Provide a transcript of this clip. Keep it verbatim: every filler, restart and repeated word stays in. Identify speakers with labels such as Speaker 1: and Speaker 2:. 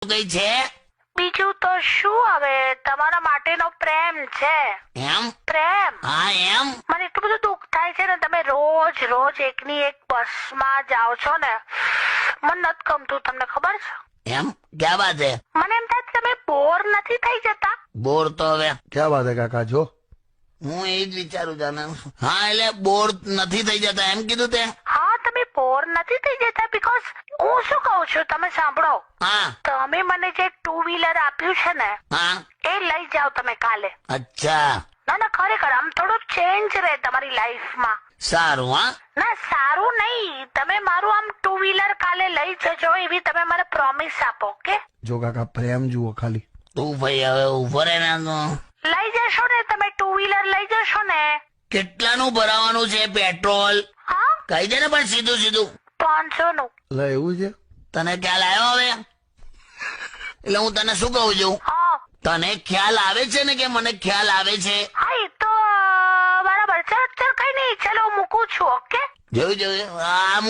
Speaker 1: કઈ છે?
Speaker 2: બીજું તો શું, હવે તમારા માટેનો પ્રેમ છે.
Speaker 1: એમ?
Speaker 2: પ્રેમ.
Speaker 1: હા એમ.
Speaker 2: મને એટલું બધું દુઃખ થાય છે ને, તમે રોજ રોજ એકની એક બસમાં જાઓ છો ને, મને નથી ગમતું. તમને ખબર છે?
Speaker 1: એમ ક્યાં વાત છે?
Speaker 2: મને એમ થાય તમે બોર નથી થઈ જતા?
Speaker 1: બોર તો હવે
Speaker 3: ક્યાં વાત હે કાકા? જો
Speaker 1: હું એ જ વિચારું જાને. હા એટલે બોર નથી થઈ જતા એમ કીધું તે?
Speaker 2: હા, તમે બોર નથી થઈ જતા. બીકોઝ હું શું કહું છું, તમે સાંભળો.
Speaker 1: હા
Speaker 2: તમે મને જે ટુ વ્હીલર આપ્યું છે ને,
Speaker 1: હા.
Speaker 2: એ લઈ જાઓ તમે કાલે.
Speaker 1: અચ્છા
Speaker 2: ના ના, ખરેખર આમ થોડું ચેન્જ રહે તમારી લાઈફમાં.
Speaker 1: સારું. હા
Speaker 2: ના, સારું નહીં. તમે મારું આમ ટુ વ્હીલર કાલે લઈ જજો, એવી તમે મને પ્રોમિસ આપો. ઓકે?
Speaker 3: જો કાકા, પ્રેમ જુઓ ખાલી.
Speaker 1: તું ભાઈ હવે ઉભો રહે ને. તો
Speaker 2: લઈ જશો ને તમે? ટુ વ્હીલર લઈ જશો ને?
Speaker 1: કેટલાનું ભરાવાનું છે પેટ્રોલ?
Speaker 2: હા,
Speaker 1: કહી દે ને પણ સીધું સીધું.
Speaker 2: પાંચસો નું.
Speaker 3: લે, એવું છે?
Speaker 1: તને ખ્યાલ આવ્યો હવે? એટલે હું તને શું કહું છું,
Speaker 2: હા
Speaker 1: તને ખ્યાલ આવે છે ને કે મને ખ્યાલ આવે છે?
Speaker 2: હા, એ તો અ, બરાબર. ચાલ ચાલ, કઈ નહીં. ચલો, હું મૂકું છું. ઓકે?
Speaker 1: જોયું જોયું. આ